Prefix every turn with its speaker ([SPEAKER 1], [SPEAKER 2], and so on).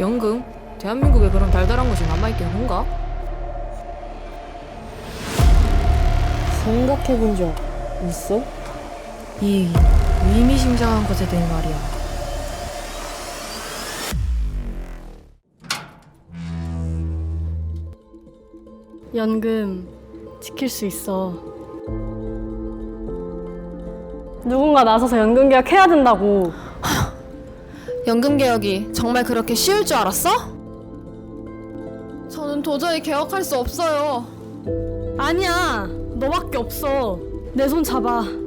[SPEAKER 1] 연금? 대한민국에 그런 달달한 것이 남아있긴 한가?
[SPEAKER 2] 생각해본 적 있어?
[SPEAKER 1] 이 의미심장한 것에 대해 말이야.
[SPEAKER 2] 연금 지킬 수 있어. 누군가 나서서 연금 개혁해야 된다고.
[SPEAKER 3] 연금 개혁이 정말 그렇게 쉬울 줄 알았어? 저는 도저히 개혁할 수 없어요.
[SPEAKER 2] 아니야, 너밖에 없어. 내 손 잡아.